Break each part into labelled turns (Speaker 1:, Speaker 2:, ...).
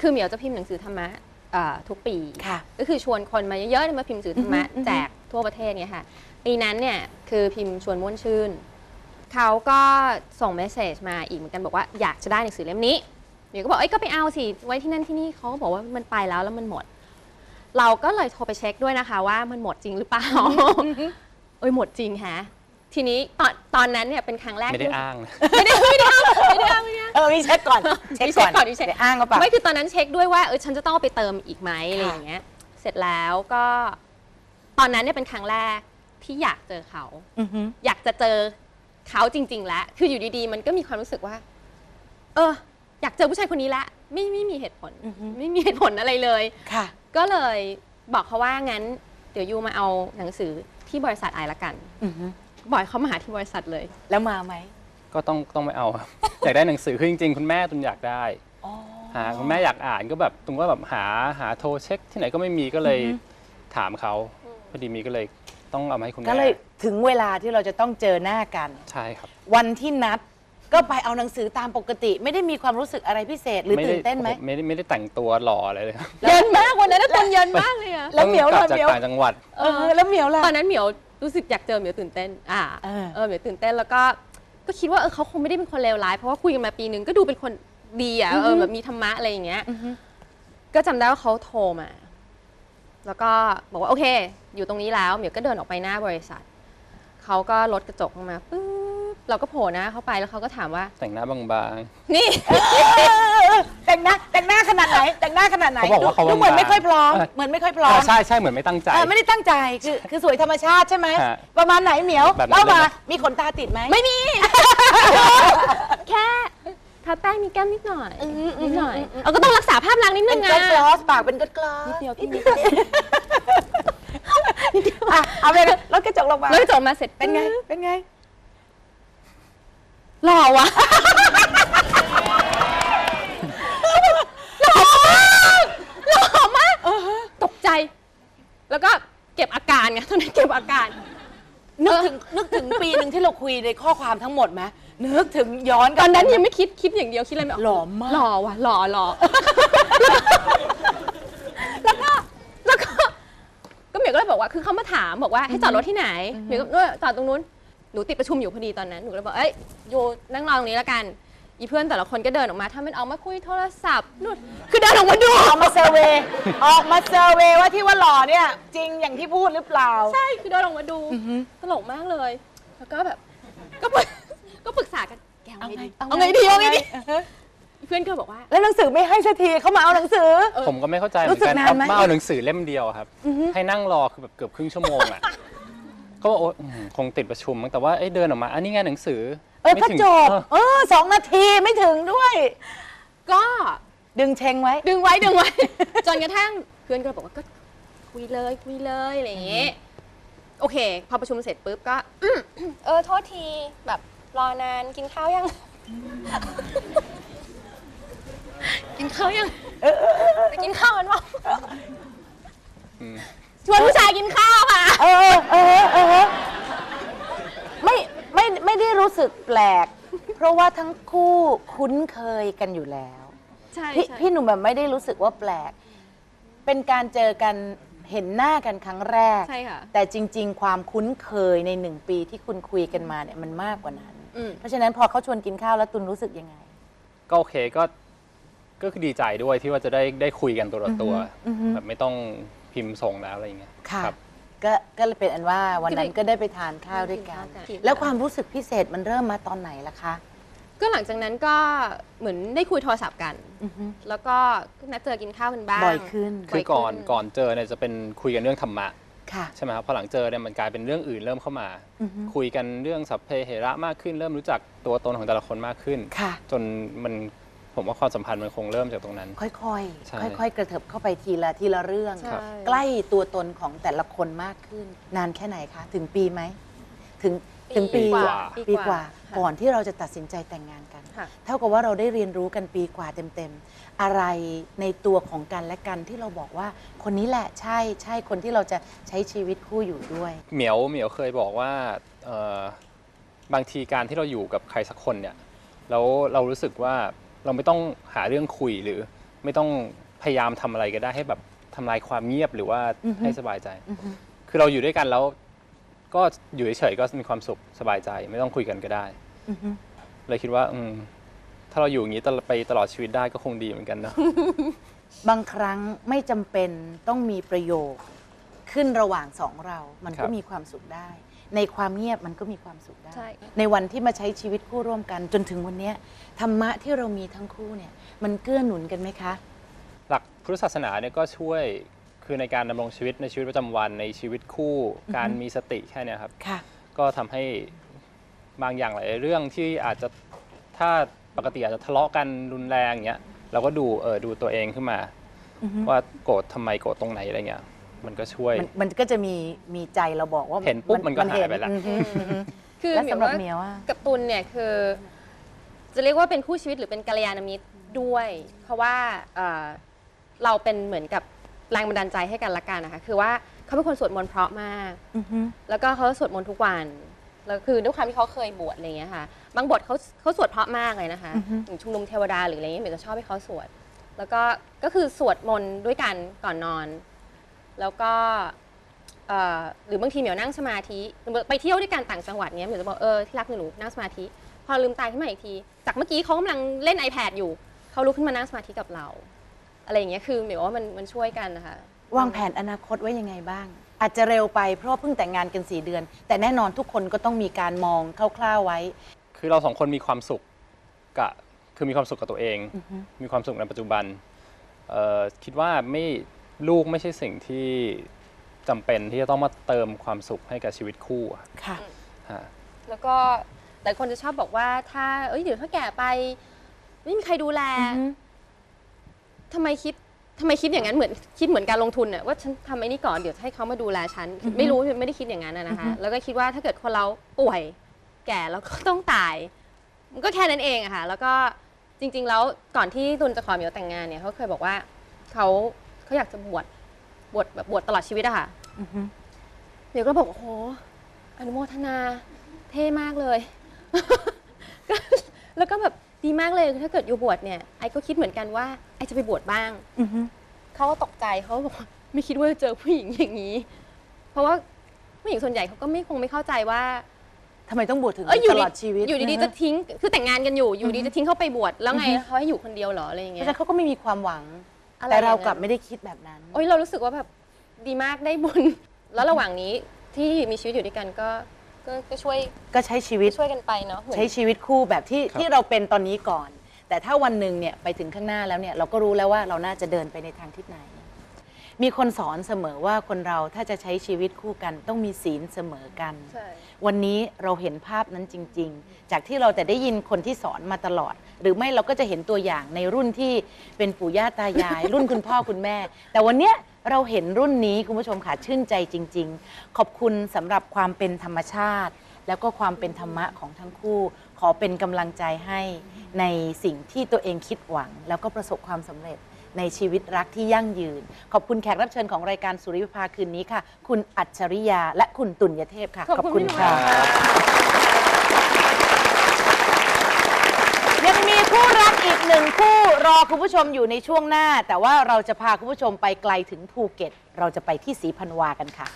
Speaker 1: คือเหมียวจะพิมพ์หนังสือธรรมะทุกปีก็คือชวนคนมาเยอะๆมาพิมพ์หนังสือธรรมะแจกทั่วประเทศเนี่ยค่ะปีนั้นเนี่ยคือพิมพ์ชวนม่วนชื่นเขาก็ส่งเมสเซจมาอีกเหมือนกันบอกว่าอยากจะได้หนังสือเล่มนี้เหมียวก็บอกเอ้ยก็ไปเอาสิไว้ที่นั่นที่นี่เขาก็บอกว่ามันไปแล้วมันหมดเราก็เลยโทรไปเช็คด้วยนะคะว่ามันหมดจริงหรือเปล่าหมดจริงฮะทีนี้ตอนนั้นเนี่ยเป็นครั้งแรก
Speaker 2: ไม่ได้อ้างนะ
Speaker 1: ไม่ได้อ้าง
Speaker 3: มีเช็คก่อนเช็คก่อนได้อ้างก็ปะ
Speaker 1: ไม่คือตอนนั้นเช็คด้วยว่าฉันจะต้องไปเติมอีกไหมอะไรอย่างเงี้ยเสร็จแล้วก็ตอนนั้นเนี่ยเป็นครั้งแรกที่อยากเจอเขาอยากจะเจอเขาจริงๆแล้วคืออยู่ดีๆมันก็มีความรู้สึกว่าอยากเจอผู้ชายคนนี้ละไม่มีเหตุผลไม่มีเหตุผลอะไรเลย
Speaker 3: ค่ะ
Speaker 1: ก็เลยบอกเขาว่างั้นเดี๋ยวยูมาเอาหนังสือที่บริษัทไอละกันบ่อยเขามาหาที่บริษัทเลย
Speaker 3: แล้วมาไหม
Speaker 2: ก็ต้องไม่เอาครับ อยากได้หนังสือคือจริงๆคุณแม่ตุนอยากได้คุณแม่อยากอ่านก็แบบตุนก็แบบหาโทรเช็คที่ไหนก็ไม่มีก็เลยถามเขาพอดีมีก็เลยต้องเอามาให้คุณแม่
Speaker 3: ก็เลยถึงเวลาที่เราจะต้องเจอหน้ากัน
Speaker 2: ใช่ครับ
Speaker 3: วันที่นัดก็ไปเอาหนังสือตามปกติไม่ได้มีความรู้สึกอะไรพิเศษหรือตื่นเต้นไหม
Speaker 2: ไม่ได้แต่งตัวหล่ออะไรเลย
Speaker 1: เยินมากวันนั้นตอนเยินมากเลยอะ
Speaker 3: แล้วเหมียว
Speaker 2: จากต่างจังหวัด
Speaker 3: แล้วเหมียวล่ะ
Speaker 1: ตอนนั้นเหมียวรู้สึกอยากเจอเหมียวตื่นเต้นเหมียวตื่นเต้นแล้วก็คิดว่าเขาคงไม่ได้เป็นคนเลวร้ายเพราะว่าคุยกันมาปีนึงก็ดูเป็นคนดีอ่ะแบบมีธรรมะอะไรอย่างเงี้ยก็จำได้ว่าเขาโทรมาแล้วก็บอกว่าโอเคอยู่ตรงนี้แล้วเหมียวก็เดินออกไปหน้าบริษัทเขาก็ลดกระจกลงมาปึ๊บเราก็โผล่หน้าเข้าไปแล้วเขาก็ถามว่า
Speaker 2: แต่งหน้าบาง
Speaker 1: ๆนี่
Speaker 3: แต่งหน้าขนาดไหนแต่งหน้าขนาดไหน
Speaker 2: เขาบอกว่าเขา
Speaker 3: เหมือนไม่ค่อยพร้อมเหมือนไม่ค่อยพร้อม
Speaker 2: ใช่เหมือนไม่ตั้งใจ
Speaker 3: ไม่ได้ตั้งใจคือสวยธรรมชาติใช่ไหมประมาณไหนเหมียวเล่ามามีขนตาติดไหม
Speaker 1: ไม่มีแค่ทาแป้งมีแก้มนิดหน่อยก็ต้องรักษาภาพลักษณ์นิดนึงไง
Speaker 3: เป็นกลอสปากเป็นกลอส
Speaker 1: นิดเดียว
Speaker 3: เอาไปเลยรถกระจกลงมา
Speaker 1: แล้วกระจกมาเสร็จ
Speaker 3: เป็นไง
Speaker 1: หล่อวะหล่อมากตกใจแล้วก็เก็บอาการไงตอนนั้นเก็บอาการ
Speaker 3: นึกถึงปีหนึ่งที่เราคุยในข้อความทั้งหมดไหมนึกถึงย้อน
Speaker 1: ตอนนั้นยังไม่คิดอย่างเดียวคิดอะไรไม่ออก
Speaker 3: หล่อมาก
Speaker 1: หล่อว่ะหล่อแล้วก็เหมียวก็เลยบอกว่าคือเขามาถามบอกว่าให้จอดรถที่ไหนเหมียวก็จอดตรงนู้นหนูติดประชุมอยู่พอดีตอนนั้นหนูก็เลยบอกอยู่นั่งรอตรงนี้แล้วกันอีเพื่อนแต่ละคนก็เดินออกมาถ้ามันออกมาคุยโทรศัพท์นู่นคือเดินออกมาดู
Speaker 3: ออกมาเซอร์เวย์ว่าที่ว่าหล่อเนี่ยจริงอย่างที่พูดหรือเปล่า
Speaker 1: ใช่คือเดินออกมาดูตลกมากเลยแล้วก็แบบก็ปรึกษากันแกเอาไงดีเพื่อนก็บอกว่า
Speaker 3: แล้วหนังสือไม่ให้สักทีเขามาเอาหนังสือ
Speaker 2: ผมก็ไม่เข้าใจเหมือนกันมาเอาหนังสือเล่มเดียวครับให้นั่งรอคือแบบเกือบครึ่งชั่วโมงอ่ะก็บอกคงติดประชุมแต่ว่าเดินออกมาอันนี้ไงหนังสือ
Speaker 3: ก็จบ2 นาทีไม่ถึงด้วย
Speaker 1: ก็
Speaker 3: ดึงเชงไว้
Speaker 1: ดึงไว้จนกระทั่งเพื่อนก็บอกว่าก็คุยเลยอะไรอย่างเงี้ยโอเคพอประชุมเสร็จปุ๊บก็โทษทีแบบรอนานกินข้าวยังกินข้าวยังไปกินข้าวกันวะชวนผู้ชายกินข้าวค่ะ
Speaker 3: ไม่ได้รู้สึกแปลกเพราะว่าทั้งคู่คุ้นเคยกันอยู่แล้ว
Speaker 1: ใช่
Speaker 3: พี่หนุ่มแบบไม่ได้รู้สึกว่าแปลกเป็นการเจอกันเห็นหน้ากันครั้งแรก
Speaker 1: ใช่ค่ะ
Speaker 3: แต่จริงๆความคุ้นเคยใน1 ปีที่คุณคุยกันมาเนี่ยมันมากกว่านั้นเพราะฉะนั้นพอเขาชวนกินข้าวแล้วตุลรู้สึกยังไง
Speaker 2: ก็โอเคก็คือดีใจด้วยที่ว่าจะได้คุยกันตัวต่อตัวแบบไม่ต้องพิมพ์ส่งแล้วอะไรอย่างเงี้ย
Speaker 3: ค่ะก็เลยเป็นอันว่าวันนั้นก็ได้ไปทานข้าวด้วยกันแล้วความรู้สึกพิเศษมันเริ่มมาตอนไหนล่ะคะ
Speaker 1: ก็หลังจากนั้นก็เหมือนได้คุยโทรศัพท์กันแล้วก็นัดเจอกินข้าวกันบ้าง
Speaker 3: บ่อยขึ้น
Speaker 2: คือก่อนเจอเนี่ยจะเป็นคุยกันเรื่องธรรมะใช่ไหมครับพอหลังเจอเนี่ยมันกลายเป็นเรื่องอื่นเริ่มเข้ามาคุยกันเรื่องสัพเพเหระมากขึ้นเริ่มรู้จักตัวตนของแต่ละคนมากขึ้นจนผมว่าความสัมพันธ์มันคงเริ่มจากตรงนั้น
Speaker 3: ค่อยๆกระเถิบเข้าไปทีละเรื่องใกล้ตัวตนของแต่ละคนมากขึ้นนานแค่ไหนคะถึงปีไหมถึงปีกว่าก่อนที่เราจะตัดสินใจแต่งงานกันเท่ากับว่าเราได้เรียนรู้กันปีกว่าเต็มๆอะไรในตัวของกันและกันที่เราบอกว่าคนนี้แหละใช่คนที่เราจะใช้ชีวิตคู่อยู่ด้วย
Speaker 2: เหมียวเคยบอกว่าบางทีการที่เราอยู่กับใครสักคนเนี่ยแล้วเรารู้สึกว่าเราไม่ต้องหาเรื่องคุยหรือไม่ต้องพยายามทำอะไรก็ได้ให้แบบทำลายความเงียบหรือว่าให้สบายใจคือเราอยู่ด้วยกันแล้วก็อยู่เฉยๆก็มีความสุขสบายใจไม่ต้องคุยกันก็ได้เลยคิดว่าถ้าเราอยู่อย่างนี้ไปตลอดชีวิตได้ก็คงดีเหมือนกันเนาะ
Speaker 3: บางครั้งไม่จำเป็นต้องมีประโยคขึ้นระหว่างสองเรา มันก็มีความสุขได้ ในความเงียบมันก็มีความสุขได้ ในวันที่มาใช้ชีวิตคู่ร่วมกันจนถึงวันนี้ธรรมะที่เรามีทั้งคู่เนี่ยมันเกื้อหนุนกันไหมคะ
Speaker 2: หลักพุทธศาสนาเนี่ยก็ช่วยคือในการดำรงชีวิตในชีวิตประจำวันในชีวิตคู่การมีสติแค่นี้ครับก็ทำให้บางอย่างหลายเรื่องที่อาจจะถ้าปกติอาจจะทะเลาะกันรุนแรงเงี้ยเราก็ดูตัวเองขึ้นมาว่าโกรธทำไมโกรธตรงไหนอะไรเงี้ยมันก็ช่วย
Speaker 3: มันก็จะมีใจเราบอกว่า
Speaker 2: เห็นปุ๊บมันก็หายไปแล้ว
Speaker 1: คือสำหรับเมียว่ากับตุลเนี่ยคือจะเรียกว่าเป็นคู่ชีวิตหรือเป็นกัลยาณมิตรด้วยเพราะว่าเราเป็นเหมือนกับแรงบันดาลใจให้กันละกันนะคะคือว่าเขาเป็นคนสวดมนต์เพราะมากแล้วก็เขาสวดมนต์ทุกวันแล้วคือด้วยความที่เขาเคยบวชอะไรเงี้ยค่ะบางบทเขาสวดเพราะมากเลยนะคะอย่างชุมนุมเทวดาหรืออะไรเงี้ยเหมือนจะชอบให้เขาสวดแล้วก็คือสวดมนต์ด้วยกันก่อนนอนแล้วก็หรือบางทีเหมียวนั่งสมาธิไปเที่ยวด้วยกันต่างจังหวัดเงี้ยเหมียวจะบอกที่รักหนูนั่งสมาธิพอลืมตาขึ้นมาอีกทีจากเมื่อกี้เขากำลังเล่น iPad อยู่เขาลุกขึ้นมานั่งสมาธิกับเราอะไรอย่างเงี้ยคือเหมียวว่ามันช่วยกันนะคะ
Speaker 3: วางแผนอนาคตไว้ยังไงบ้างอาจจะเร็วไปเพราะเพิ่งแต่งงานกัน4 เดือนแต่แน่นอนทุกคนก็ต้องมีการมองคร่าวๆไว้
Speaker 2: คือเรา2 คนมีความสุขคือมีความสุขกับตัวเองมีความสุขในปัจจุบันคิดว่าลูกไม่ใช่สิ่งที่จำเป็นที่จะต้องมาเติมความสุขให้กับชีวิตคู่
Speaker 3: ค่ะ
Speaker 1: แล้วก็หลายคนจะชอบบอกว่าถ้าเดี๋ยวถ้าแก่ไปไม่มีใครดูแลทำไมคิดอย่างนั้นเหมือนคิดเหมือนการลงทุนน่ะว่าฉันทำไอ้นี่ก่อนเดี๋ยวให้เขามาดูแลฉันไม่รู้ไม่ได้คิดอย่างนั้นนะคะแล้วก็คิดว่าถ้าเกิดคนเราป่วยแก่แล้วก็ต้องตายมันก็แค่นั้นเองอะค่ะแล้วก็จริงๆแล้วก่อนที่ตุลจะขอเหมียวแต่งงานเนี่ยเขาเคยบอกว่าเขาอยากจะบวชตลอดชีวิตอะค่ะเหมียวก็บอกโอ้โหอนุโมทนาเท่มากเลยแล้วก็แบบดีมากเลยถ้าเกิดอยู่บวชเนี่ยไอ้ก็คิดเหมือนกันว่าไอ้จะไปบวชบ้างเขาก็ตกใจเขาบอกไม่คิดว่าจะเจอผู้หญิงอย่างนี้เพราะว่าผู้หญิงส่วนใหญ่เขาก็คงไม่เข้าใจว่า
Speaker 3: ทำไมต้องบวชถึงตลอดชีวิต
Speaker 1: อยู่ดีๆจะทิ้งคือแต่งงานกันอยู่ดีจะทิ้งเขาไปบวชแล้วไงเขาให้อยู่คนเดียวเหรออะไรอย่างเงี้ย
Speaker 3: แต่เขาก็ไม่มีความหวังแต่เรากลับไม่ได้คิดแบบนั้น
Speaker 1: เรารู้สึกว่าแบบดีมากได้บุญแล้วระหว่างนี้ที่มีชีวิตอยู่ด้วยกันก็ช่วย
Speaker 3: ก็ใช้ชีวิต
Speaker 1: ช่วยกันไปเนาะ
Speaker 3: ใช้ชีวิตคู่แบบที่เราเป็นตอนนี้ก่อนแต่ถ้าวันหนึ่งเนี่ยไปถึงข้างหน้าแล้วเนี่ยเราก็รู้แล้วว่าเราน่าจะเดินไปในทางทิศไหนมีคนสอนเสมอว่าคนเราถ้าจะใช้ชีวิตคู่กันต้องมีศีลเสมอกันวันนี้เราเห็นภาพนั้นจริงๆจากที่เราแต่ได้ยินคนที่สอนมาตลอดหรือไม่เราก็จะเห็นตัวอย่างในรุ่นที่เป็นปู่ย่าตายาย รุ่นคุณพ่อคุณแม่แต่วันเนี้ยเราเห็นรุ่นนี้คุณผู้ชมค่ะชื่นใจจริงๆขอบคุณสำหรับความเป็นธรรมชาติแล้วก็ความเป็นธรรมะของทั้งคู่ขอเป็นกำลังใจให้ในสิ่งที่ตัวเองคิดหวังแล้วก็ประสบความสำเร็จในชีวิตรักที่ยั่งยืนขอบคุณแขกรับเชิญของรายการสุริวิภาคืนนี้ค่ะคุณอัจฉริยาและคุณตุลยเทพค่ะขอบคุณค่ะยังมีคู่รักอีก1 คู่รอคุณผู้ชมอยู่ในช่วงหน้าแต่ว่าเราจะพาคุณผู้ชมไปไกลถึงภูเก็ตเราจะไปที่ศรีพันวากันค่ะ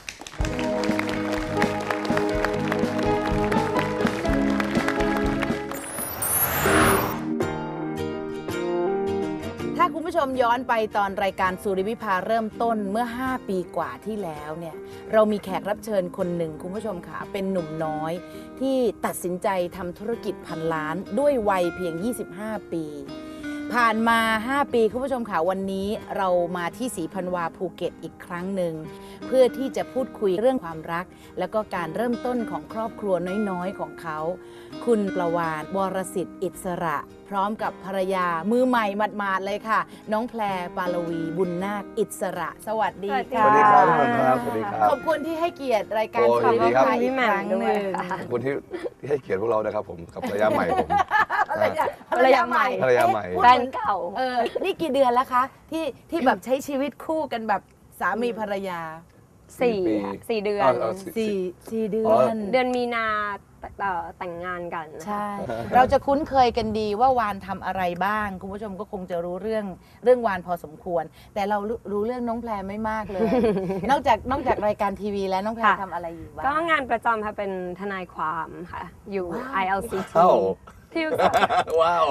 Speaker 3: ถ้าคุณผู้ชมย้อนไปตอนรายการสุริวิภาเริ่มต้นเมื่อ5 ปีกว่าที่แล้วเนี่ยเรามีแขกรับเชิญคนหนึ่งคุณผู้ชมค่ะเป็นหนุ่มน้อยที่ตัดสินใจทำธุรกิจพันล้านด้วยวัยเพียง25 ปีผ่านมา5 ปีคุณผู้ชมค่ะวันนี้เรามาที่ศรีพันวาภูเก็ตอีกครั้งหนึ่งเพื่อที่จะพูดคุยเรื่องความรักแล้วก็การเริ่มต้นของครอบครัวน้อยๆของเขาคุณประวานวรสิทธิ์อิสระพร้อมกับภรรยามือใหม่หมาดๆเลยค่ะน้องแพรปาลวีบุญนาคอิสระสวัสดีค่ะ
Speaker 4: สวัสดีครับสวัสดีครับ
Speaker 3: ขอบคุณที่ให้เกียรติรายการสุริวิภาอีกครั้งหนึ่ง
Speaker 4: ขอบคุณที่ให้เกียรติพวกเรานะครับผมกับภรรยาใหม่ผม
Speaker 3: ภรรยาใหม่
Speaker 1: แฟนเก่า
Speaker 3: นี่กี่เดือนแล้วคะที่แบบใช้ชีวิตคู่กันแบบสามีภรรยา
Speaker 1: 4 เดือน
Speaker 3: 4 เดือน
Speaker 1: เดือนมีนา
Speaker 5: แต่งงานกัน
Speaker 3: ใช่ เราจะคุ้นเคยกันดีว่าวานทำอะไรบ้าง คุณผู้ชมก็คงจะรู้เรื่องวานพอสมควร แต่เรารู้เรื่องน้องแพรไม่มากเลย นอกจากรายการทีวีแล้วน้องแพรทำอะไรอยู่บ้าง
Speaker 5: ก็งานประจำค่ะเป็นทนายความค่ะ อยู่ ILCT ที่
Speaker 4: ว้าว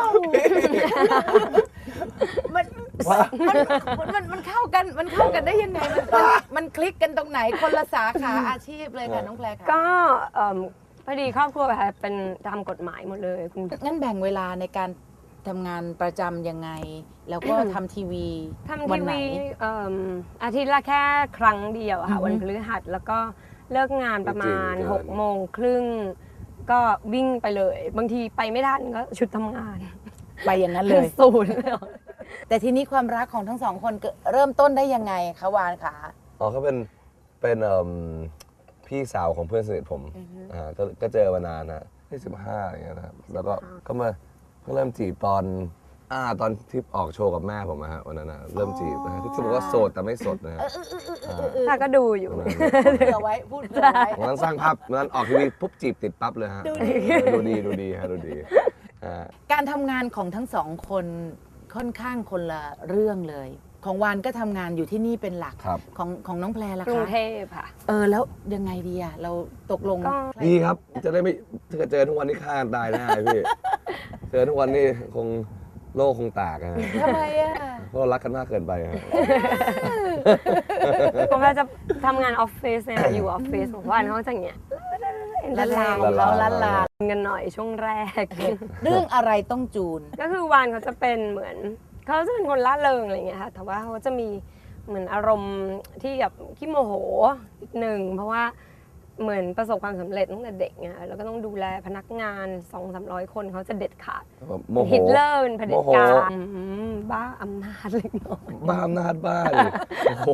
Speaker 3: มันเข้ากันได้ยังไงมันคลิกกันตรงไหนคนละสาขาอาชีพเลยค่ะน้องแพรค่ะ
Speaker 5: ก็พอดีครอบครัวค่ะเป็นทำกฎหมายหมดเลยคุณ
Speaker 3: งั้นแบ่งเวลาในการทำงานประจำยังไง แล้วก็ทำทีวี
Speaker 5: ทำ
Speaker 3: วั
Speaker 5: ที
Speaker 3: นไหน
Speaker 5: วีอาทิตย์ละแค่ครั้งเดียวอะค่ะ วันพฤหัสแล้วก็เลิกงานประมาณ
Speaker 4: จริงๆ
Speaker 5: 6:30 ก็วิ่งไปเลย บางทีไปไม่ทันก็ชุดทำงาน
Speaker 3: ไปอย่างนั้นเลย
Speaker 5: ศูนย์เลย
Speaker 3: แต่ทีนี้ความรักของทั้งสองคนเริ่มต้นได้ยังไงคะวานคะ
Speaker 4: อ๋อเขาเป็นพี่สาวของเพื่อนสนิทผมก็เจอมานานนะที่15อะไรเงี้ยนะครับแล้วก็เริ่มจีบตอนที่ออกโชว์กับแม่ผมนะฮะวันนั้นนะเริ่มจีบนะฮะที่บอกว่าโสดแต่ไม่สดนะฮะ
Speaker 5: ถ้าก็ดูอยู่
Speaker 3: พูดเผื่อไว้
Speaker 4: วันนั้นสร้างภาพวันนั้นออกทีวีปุ๊บจีบติดปั๊บเลยฮะดูดีฮะดูดี
Speaker 3: การทำงานของทั้งสองคนค่อนข้างคนละเรื่องเลย ของวานก็ทำงานอยู่ที่นี่เป็นหลัก
Speaker 4: ครับ
Speaker 3: ของน้องแพรล่ะ
Speaker 5: กรุง
Speaker 3: คะ
Speaker 5: เทพค่ะ
Speaker 3: แล้วยังไงดีอะเราตกลง
Speaker 5: ก็
Speaker 4: ดีครับจะได้ไม่ถ้าเกิดเจอทุกวันนี้ฆ่ากันตายแน่พี่ เจอทุกวันนี้คงโลกคงแตกอะ
Speaker 3: ทำไมอะ
Speaker 4: เพราะเรารักกันมากเกินไปฮะ
Speaker 5: ผมก็จะทำงานออฟฟิศเนี่ยอยู่ออฟฟิศของวันเขาจะอย่างเงี้ย
Speaker 3: ละลาของเราละลา
Speaker 5: กันหน่อยช่วงแรก
Speaker 3: เรื่องอะไรต้องจูน
Speaker 5: ก็คือวานเขาจะเป็นเหมือนเขาจะเป็นคนล่าเริงอะไรอย่างเงี้ยค่ะแต่ว่าเขาจะมีเหมือนอารมณ์ที่แบบขี้โมโหนิดนึงเพราะว่าเหมือนประสบความสำเร็จตั้งแต่เด็กไงแล้วก็ต้องดูแลพนักงาน 200-300 คนเขาจะเด็ดขาด
Speaker 4: โมโห
Speaker 5: ฮิตเลอร์เป็นเผด็จการ
Speaker 4: โมโห
Speaker 5: บ้าอำนาจเล็กน้อย
Speaker 4: บ้าอำนาจบ้าดิ โอ้โห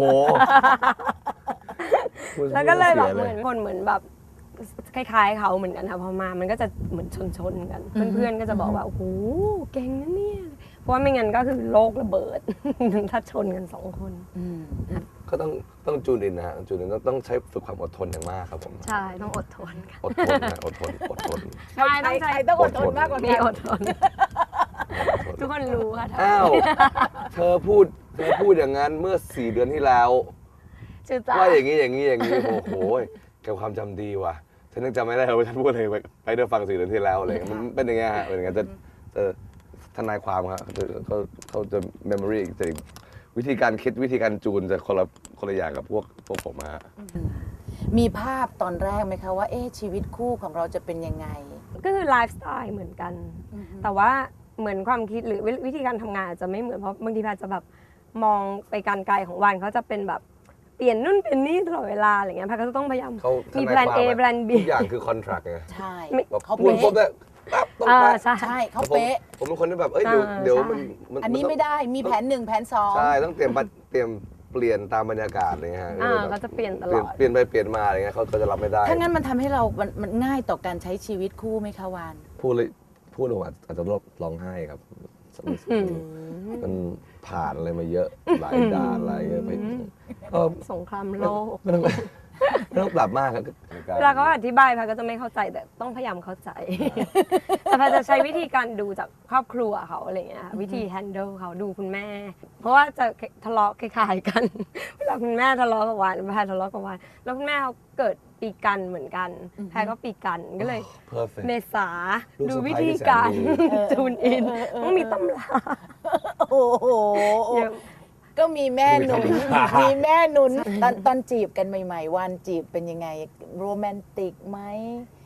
Speaker 5: แล้วก็เลยแบบ
Speaker 4: สี
Speaker 5: เหมือนคนเหมือนแบบคล้ายๆเขาเหมือนกันค่ะพอมามันก็จะเหมือนชนกัน เพื่อนๆก็จะบอกว่าโอ้โหเก่งนะเนี่ยเพราะว่าไม่งั้นก็คือโลกระเบิด ถ้าชนกัน2 คน
Speaker 4: ก็ต้องจูนอินนะฮะจูนอินต้องใช้ฝึกความอดทนอย่างมากครับผม
Speaker 5: ใช่ต้องอดทนค่ะ
Speaker 4: อดทนนะอดทน
Speaker 5: ใช่ต้องใช้
Speaker 3: ต้องอดทนมากกว่า
Speaker 5: มี
Speaker 3: กัน
Speaker 5: อดทน ทุกคนรู้ค่ะ
Speaker 4: อ้าวเธอพูดอย่างนั้นเมื่อ4 เดือนที่แล้ว
Speaker 5: ชื่อจ้า
Speaker 4: ว่าอย่างนี้โอ้โหแกความจำดีว่ะฉันยังจำไม่ได้เลยว่าฉันพูดอะไรไปเดินฟัง4 เดือนที่แล้วอะไรมันเป็นอย่างเงี้ยฮะเป็นอย่างเงี้ยจะทนายความครับเขาจะ memory จะวิธีการคิดวิธีการจูนจะคนละอย่างกับพวกผมฮะ
Speaker 3: มีภาพตอนแรกไหมคะว่าชีวิตคู่ของเราจะเป็นยังไง
Speaker 5: ก็คือไลฟ์สไตล์เหมือนกัน แต่ว่าเหมือนความคิดหรือวิธีการทำงานอาจจะไม่เหมือนเพราะบางทีอาจจะแบบมองไปการไกลของวันเขาจะเป็นแบบเปลี่ยนนู่นเปลี่ยนนี่ตลอดเวลาอะไรเงี้ยพักก็จะต้องพยายามมีแพลน A แพลน B
Speaker 4: ทุกอย่างคือ contract ไง
Speaker 3: ใช่
Speaker 4: แบบ
Speaker 3: เขา
Speaker 4: พูด
Speaker 3: เป๊ะ
Speaker 4: ปุ๊บเนี่ยปั๊บต้องไป
Speaker 3: ใช่เขาเป๊ะ
Speaker 4: ผมเป็นคนที่แบบเดี๋ยวมัน
Speaker 3: อันนี้ไม่ได้มีแผน 1 แผน 2
Speaker 4: ใช่ต้องเตรียมเปลี่ยนตามบรรยากาศอะไรเงี้ยฮะ
Speaker 5: ก็จะเปลี่ยนตลอด
Speaker 4: เปลี่ยนไปเปลี่ยนมาอะไรเงี้ยเขาก็จะรับไม่ได้
Speaker 3: ถ้างั้นมันทำให้เรามันง่ายต่อการใช้ชีวิตคู่ไหมคะวาน
Speaker 4: พูดลงอาจจะร้องไห้ครับมันผ่านอะไรมาเยอะหลายด่านอะไรเยอะไปก็
Speaker 5: สงครามโลก
Speaker 4: ไม่ต้องปรับมากครับ
Speaker 5: เวลาเขาอธิบายพาก็จะไม่เข้าใจแต่ต้องพยายามเข้าใจ แต่พาจะใช้วิธีการดูจากครอบครัวเขาอะไรเงี้ยวิธีแฮนเดิลเขาดูคุณแม่ เพราะว่าจะทะเลาะคล้ายๆกัน เวลาคุณแม่ทะเลาะกับวานพาทะเลาะกับวานแล้วคุณแม่เขาเกิดปีกันเหมือนกันแพรก็ปีกันก็เลย
Speaker 4: perfect
Speaker 5: เมษา
Speaker 4: ลูก
Speaker 5: ดู
Speaker 4: สะใภ้
Speaker 5: วิธีการ
Speaker 4: ที่แสนดี
Speaker 5: จูนอินต้องมีตำรา
Speaker 3: โอ้โห
Speaker 5: เยอะ
Speaker 3: ก็มีแม่หนุนมีแม่หนุนตอนจีบกันใหม่ๆวานจีบเป็นยังไงโรแมนติกไหม